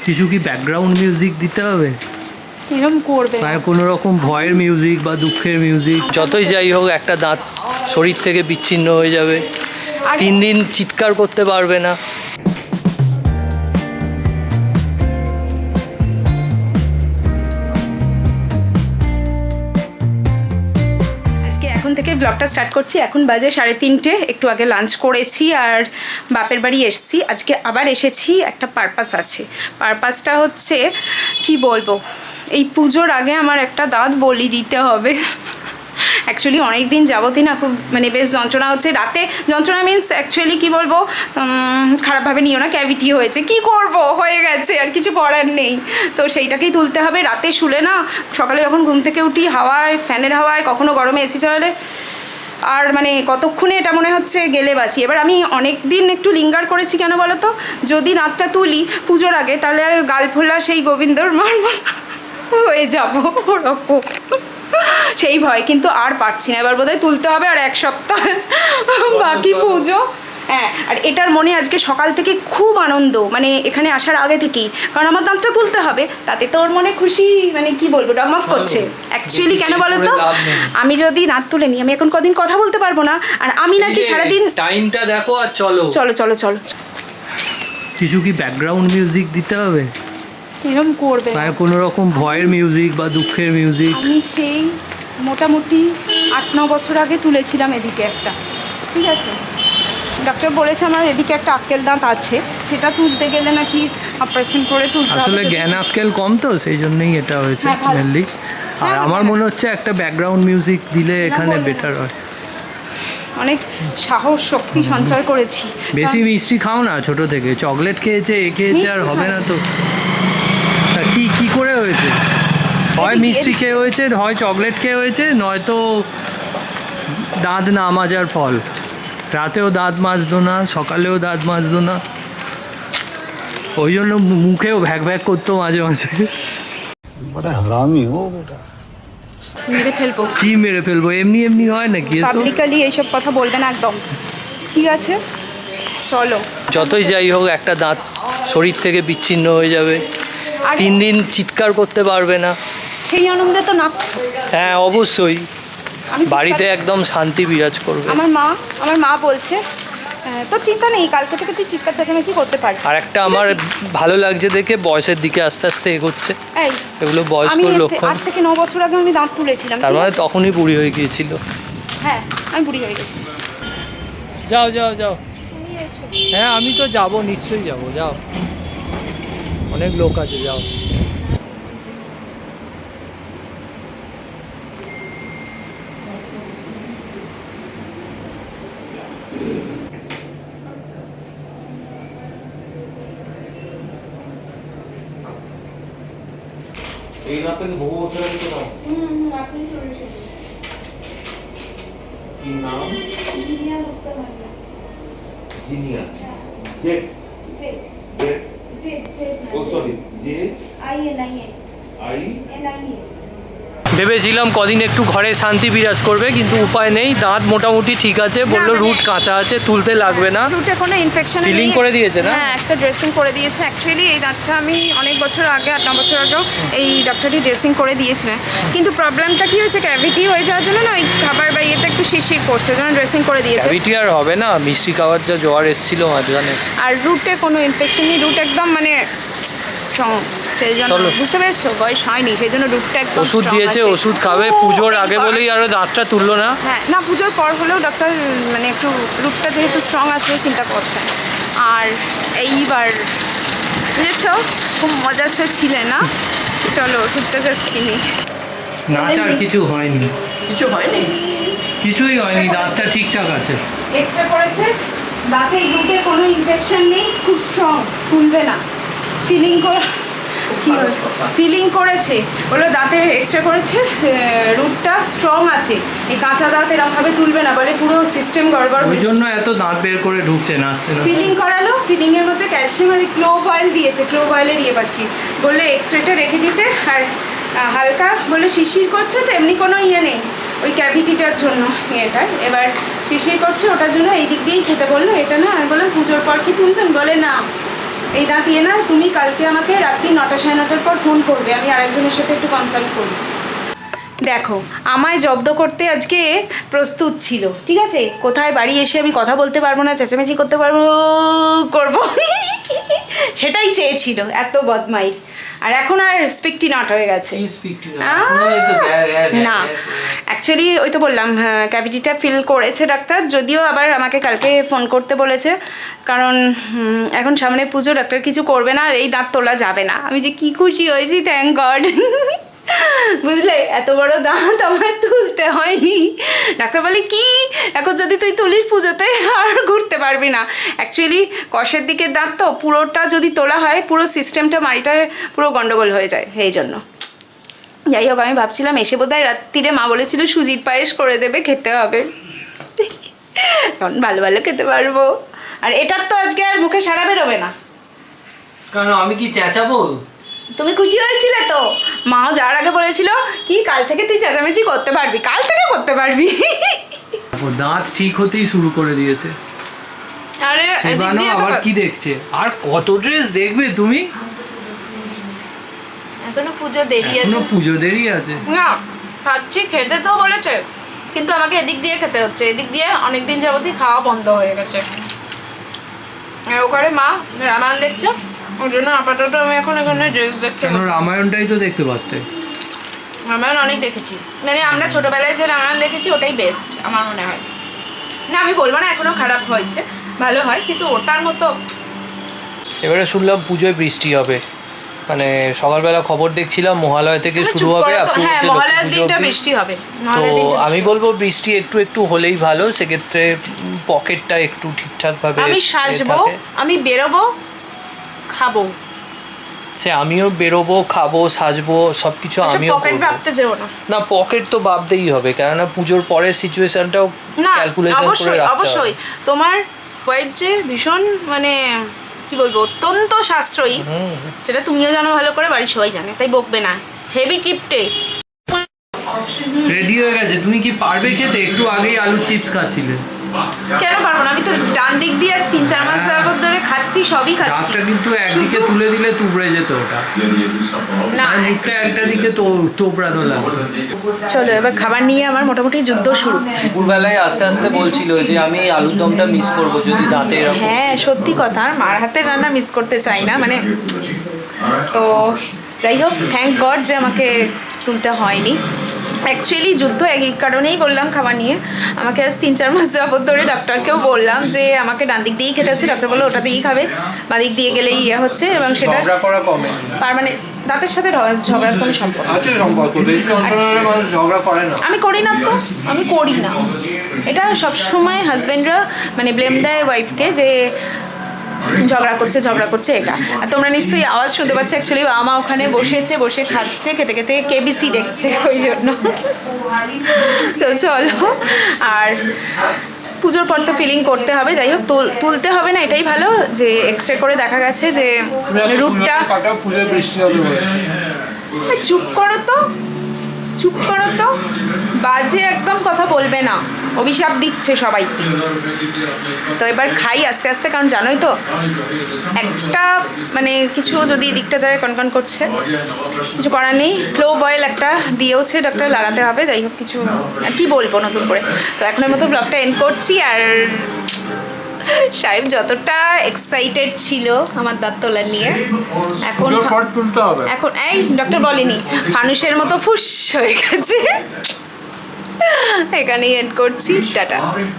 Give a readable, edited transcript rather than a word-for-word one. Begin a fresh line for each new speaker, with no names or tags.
কিছু কি background music দিতে হবে?
এরকম করবে
মানে কোনো রকম ভয়ের মিউজিক বা দুঃখের মিউজিক? যতই যাই হোক একটা দাঁত শরীর থেকে বিচ্ছিন্ন হয়ে যাবে, 3 দিন চিৎকার করতে পারবে না।
এখন থেকে ব্লগটা স্টার্ট করছি। এখন বাজে 3:30, একটু আগে লাঞ্চ করেছি আর বাপের বাড়ি এসেছি। আজকে আবার এসেছি, একটা পারপাস আছে। পারপাসটা হচ্ছে কি বলবো, এই পুজোর আগে আমার একটা দাঁত বলি দিতে হবে। অ্যাকচুয়ালি অনেক দিন যাবতই না খুব মানে বেশ যন্ত্রণা হচ্ছে। রাতে যন্ত্রণা মিন্স অ্যাকচুয়ালি কী বলবো, খারাপভাবে নিও না, ক্যাভিটি হয়েছে, কি করব, হয়ে গেছে, আর কিছু করার নেই। তো সেইটাকেই তুলতে হবে। রাতে শুলে না, সকালে যখন ঘুম থেকে উঠি হাওয়ায়, ফ্যানের হাওয়ায়, কখনো গরমে এসি চালালে, আর মানে কতক্ষণে এটা মনে হচ্ছে গেলে বাঁচি। এবার আমি অনেক দিন একটু লিঙ্গার করেছি, কেন বলো তো, যদি দাঁতটা তুলি পুজোর আগে তাহলে গাল ফোলা সেই গোবিন্দর মার হয়ে যাবো ওরকম, সেই ভয়। কিন্তু আর পারছি না, এবার বোধহয় তুলতে হবে। আর 1 সপ্তাহ বাকি পুজো। হ্যাঁ, আর এটার মনে আজকে সকাল থেকে খুব আনন্দ, মানে এখানে আসার আগে থেকেই, কারণ আমার দাঁতটা তুলতে হবে। তাতে তো ওর মনে খুশি, মানে কি বলবো, ডগমগ করছে। অ্যাকচুয়ালি কেন বলো তো, আমি যদি দাঁত তুলে নিই আমি এখন কদিন কথা বলতে পারবো না। আর আমি নাকি সারাদিন,
টাইমটা দেখো আর চলো
চলো চলো চলো। কিছু
কি ব্যাকগ্রাউন্ড মিউজিক দিতে হবে?
এরকম করবে
মানে কোনো রকম ভয়ের মিউজিক বা দুঃখের মিউজিক?
আমি সেই মোটামুটি 8-9 বছর আগে তুলেছিলাম এদিকে একটা, ঠিক আছে। ডক্টর বলেছে আমার এদিকে একটা আক্কেল দাঁত আছে, সেটা তুলতে গেলে নাকি অপারেশন করে তুলতে হবে।
আসলে জ্ঞান আক্কেল কম তো, সেই জন্যই এটা হয়েছে মেনলি। আর আমার মনে হচ্ছে একটা ব্যাকগ্রাউন্ড মিউজিক দিলে এখানে বেটার হয়।
অনেক সাহস শক্তি সঞ্চয় করেছি।
বেশি মিষ্টি খাও না, ছোট থেকে চকলেট খেয়েছে, এ খেয়েছে, আর হবে না তো। কি কি করে হয়েছে? হয় মিষ্টি খেয়ে হয়েছে, হয় চকলেট খেয়ে হয়েছে, নয়তো দাঁত না মাজার ফল। রাতেও দাঁত মাজতো না, সকালেও দাঁত মাজতো না, ওই জন্য মুখেও ভ্যাক ভ্যাক করতো মাঝে মাঝে।
মেরে ফেলবো।
কি মেরে ফেলবো? এমনি এমনি হয় নাকি?
পাবলিকলি এইসব কথা বলবে না একদম, ঠিক আছে? চলো।
যতই যাই হোক একটা দাঁত শরীর থেকে বিচ্ছিন্ন হয়ে যাবে, 3 দিন চিৎকার করতে পারবে না।
সেই আনন্দে তো নাচছো।
হ্যাঁ অবশ্যই, বাড়িতে একদম শান্তি বিরাজ করবে।
আমার মা বলছে তো চিন্তা নেই, কালকে থেকে তুই চিৎকার চেঁচামেচি করতে পারবি।
আর একটা আমার ভালো লাগছে দেখে, বয়সের দিকে আস্তে আস্তে এগোচ্ছে। এগুলো বয়স্ক লক্ষণ।
8 থেকে 9 বছর আগে আমি দাঁত তুলেছিলাম,
তার মানে তখনই বুড়ি হয়ে গিয়েছিল।
হ্যাঁ আমি বুড়ি হয়ে গেছি।
যাও যাও যাও। হ্যাঁ আমি তো যাব, নিশ্চয়ই যাব, যাও, অনেক লোক আছে, যাও। এই না পেলে বহু বছর আগে তো
আপনি
কি নাম?
জিনিয়া মুক্তমাল্লা।
Jinia Z
Z
Z
Z Z
oh sorry J
I N I A.
ভেবেছিলাম কদিন একটু ঘরে শান্তি বিরাজ করবে, কিন্তু উপায় নেই। দাঁত মোটামুটি ঠিক আছে, বললো রুট কাঁচা আছে, তুলতে লাগবে না।
রুটে কোনো ইনফেকশন
ফিলিং করে দিয়েছে না?
হ্যাঁ একটা ড্রেসিং করে দিয়েছে। অ্যাকচুয়ালি এই দাঁতটা আমি অনেক বছর আগে, 8-9 বছর আগেও এই ডক্টরটি ড্রেসিং করে দিয়েছিলেন। কিন্তু প্রবলেমটা কি হয়েছে, ক্যাভিটি হয়ে যাওয়ার জন্য না ওই খাবার বা ইয়েটা একটু শিরশির করছে, জন্য ড্রেসিং করে দিয়েছে।
ক্যাভিটি আর হবে না, মিষ্টি খাওয়ার যা জ্বর এসেছিল মাঝখানে।
আর রুটে কোনো ইনফেকশন নেই, রুট একদম মানে স্ট্রং। সেই জন্য বুঝতে পেরেছো, বয়স হয়নি, সেই জন্য রুটটা একদম
ওষুধ দিয়েছে, ওষুধ খাবে। পুজোর আগে বলেই আরো দাঁতটা তুললো না।
হ্যাঁ না, পুজোর পর হলেও ডক্টর মানে একটু রুটটা যেহেতু স্ট্রং আছে চিন্তা করছেন। আর এইবার বুঝেছো, খুব মজার সে ছিলে না। চলো ওষুধটা জাস্ট কিনি।
নাচ আর কিছু হয়নি,
কিছু হয়নি,
কিছুই হয়নি, দাঁতটা ঠিকঠাক আছে।
এক্সরে করেছে, দাঁতের রুটে কোনো ইনফেকশন নেই, খুব স্ট্রং, তুলবে না। ফিলিং করেছে, বললো দাঁতের এক্সরে করেছে, রুটটা স্ট্রং আছে, এই কাঁচা দাঁত এরকমভাবে তুলবে না, বলে পুরো সিস্টেম গড়বড়।
ওই জন্য এত দাঁত বের করে ঢুকছে না আস্তে আস্তে।
ফিলিং করালো, ফিলিংয়ের মধ্যে ক্যালসিয়াম আর ক্লোভ অয়েল দিয়েছে, ক্লোভ অয়েলের ইয়ে পাচ্ছি। বললো এক্সরেটা রেখে দিতে, আর হালকা বললো শিরশির করছে, তো এমনি কোনো ইয়ে নেই ওই ক্যাভিটিটার জন্য ইয়েটা। এবার শিরশির করছে ওটার জন্য এই দিক দিয়েই খেতে বললো, এটা না। আমি বললাম পুজোর পর কি তুলবেন? বলে না, এই দাঁত ইয়ে না, তুমি কালকে আমাকে রাত্রি 9টা 9:30টার পর ফোন করবে, আমি আরেকজনের সাথে একটু কনসাল্ট করব। দেখো আমায় জব্দ করতে আজকে প্রস্তুত ছিল, ঠিক আছে, কোথায় বাড়ি এসে আমি কথা বলতে পারবো না, চেঁচামেচি করতে পারবো করবো সেটাই চেয়েছিল, এত বদমাইশ। আর এখন আর স্পিকটি নট হয়ে গেছে না, অ্যাকচুয়ালি ওই তো বললাম ক্যাভিটিটা ফিল করেছে ডাক্তার, যদিও আবার আমাকে কালকে ফোন করতে বলেছে, কারণ এখন সামনে পুজো, ডাক্তার কিছু করবে না আর এই দাঁত তোলা যাবে না। আমি যে কি খুশি হয়েছি, থ্যাংক গড। বুঝলে, এত বড় দাঁত আমার তুলতে হয়নি। ডাক্তার বলে কি এখন যদি তুই তুলিস পুজোতে আর ঘুরতে পারবি না। অ্যাকচুয়ালি কষের দিকের দাঁত তো, পুরোটা যদি তোলা হয় পুরো সিস্টেমটা মাড়িটা পুরো গন্ডগোল হয়ে যায়, এই জন্য। যাই হোক, আমি ভাবছিলাম এসে বোধহয় রাত্রিরে মা বলেছিল সুজির পায়েস করে দেবে, খেতে হবে, এখন ভালো ভালো খেতে পারবো। আর এটার তো আজকে আর মুখে সারা বেরোবে না।
কারণ আমি কি চেঁচাবো?
তুমি খুশি হয়েছিলে তো? মাও যাওয়ার আগে বলেছিল কি কাল থেকে তুই চেঁচামেচি করতে পারবি, কাল থেকে করতে পারবি।
দাঁত ঠিক হতেই শুরু করে দিয়েছে।
আরে
সেবানো আবার কি দেখছে? আর কত ড্রেস দেখবে তুমি?
এখনো পুজো দেরি আছে।
এখনো পুজো দেরি আছে।
না খাচ্ছি, খেতে তো বলেছে, কিন্তু আমাকে এদিক দিয়ে খেতে হচ্ছে, এদিক দিয়ে অনেকদিন যাবতই খাওয়া বন্ধ হয়ে গেছে। আর ওখানে মা রামায়ণ দেখছে, ওই জন্য আপাতত আমি এখন এখানে ড্রেস দেখতে।
কেন রামায়ণটাই তো দেখতে পারতে।
রামায়ণ অনেক দেখেছি, মানে আমরা ছোটবেলায় যে রামায়ণ দেখেছি ওটাই বেস্ট আমার মনে হয়। না আমি বলবো না এখনো খারাপ হয়েছে, ভালো হয়, কিন্তু ওটার মতো।
এবারে শুনলাম পুজোয় বৃষ্টি হবে, মানে সকালবেলা খবর দেখছিলাম মহালয়া থেকে শুরু হবে,
হ্যাঁ মহালয়ার দিনটা বৃষ্টি হবে।
তো আমি বলবো বৃষ্টি একটু একটু হলেই ভালো, সেক্ষেত্রে পকেটটা একটু ঠিকঠাক ভাবে।
আমি সাজবো, আমি বেরোবো, খাবো,
সে আমিও বেরোবো, খাবো, সাজবো, সবকিছু আমিও
পকেট ভাবতে যেও না।
না পকেট তো ভাবতেই হবে, কেননা পুজোর পরের সিচুয়েশনটাও ক্যালকুলেশন করে রাখতে হবে।
অবশ্যই তোমার ওয়াইফ যে ভীষণ মানে কি বলবো অত্যন্ত সাশ্রয়ী, সেটা তুমিও জানো ভালো করে, বাড়ির সবাই জানে, তাই বকবে না। হেভি কিপটে
রেডি হয়ে গেছে। তুমি কি পারবে খেতে? একটু আগেই আলু চিপস খাচ্ছিলে।
কেন পারবো না, আমি তো ডান দিক দিয়ে আজ 3-4 মাস যাবত ধরে খাচ্ছি, সবই খাচ্ছি।
ডাকটা কিন্তু একদিকে তুলে দিলে তুবড়ে যেত ওটা,
না
মুখটা একটা দিকে তো তোবড়ানো লাগে।
চলো এবার খাবার নিয়ে আমার মোটামুটি যুদ্ধ শুরু।
দুপুরবেলায় আস্তে আস্তে বলছিল যে আমি আলুর দমটা মিস করবো যদি দাঁতে এরকম।
হ্যাঁ সত্যি কথা, আর মার হাতের রান্না মিস করতে চাই না, মানে তো যাই হোক থ্যাংক গড যে আমাকে তুলতে হয়নি। অ্যাকচুয়ালি যুদ্ধ এই কারণেই বললাম খাবার নিয়ে, আমাকে আজ 3-4 মাস যাবত ধরে ডাক্তারকেও বললাম যে আমাকে ডান দিক দিয়েই খেতে হচ্ছে, ডাক্তার বললো ওটা দিয়েই খাবে, বা দিক দিয়ে গেলেই ইয়ে হচ্ছে, এবং সেটা মানে দাঁতের সাথে ঝগড়ার কোনো সম্পর্ক
ঝগড়া করে না।
আমি করি না তো, আমি করি না, এটা সবসময় হাজব্যান্ডরা মানে ব্লেম দেয় ওয়াইফকে যে ঝগড়া করছে এটা। আর তোমরা নিশ্চয়ই আওয়াজ শুনতে পাচ্ছ, অ্যাকচুয়ালি আমা ওখানে বসেছে, বসে খাচ্ছে, খেতে খেতে কেবিসি দেখছে, ওই জন্য। তো চলো, আর পুজোর পর তো ফিলিং করতে হবে, যাই হোক তুলতে হবে না, এটাই ভালো যে এক্সরে করে দেখা গেছে যে রুটটা। চুপ করো তো, চুপ করো তো, বাজে একদম কথা বলবে না, অভিশাপ দিচ্ছে সবাইকে। তো এবার খাই আস্তে আস্তে, কারণ জানোই তো একটা মানে কিছু যদি এদিকটা যায় কনকন করছে, কিছু করার নেই। ক্লোভ অয়েল একটা দিয়েওছে ডাক্তার, লাগাতে হবে। যাই হোক কিছু আর কি বলবো নতুন করে। তো এখনের মতো ব্লগটা এন্ড করছি। আর সাহেব যতটা এক্সাইটেড ছিল আমার দাঁত তোলা নিয়ে, এখন এই ডক্টর বলেনি, ফানুসের মতো ফুস হয়ে গেছে। এখানেই এন্ড করছি, টাটা।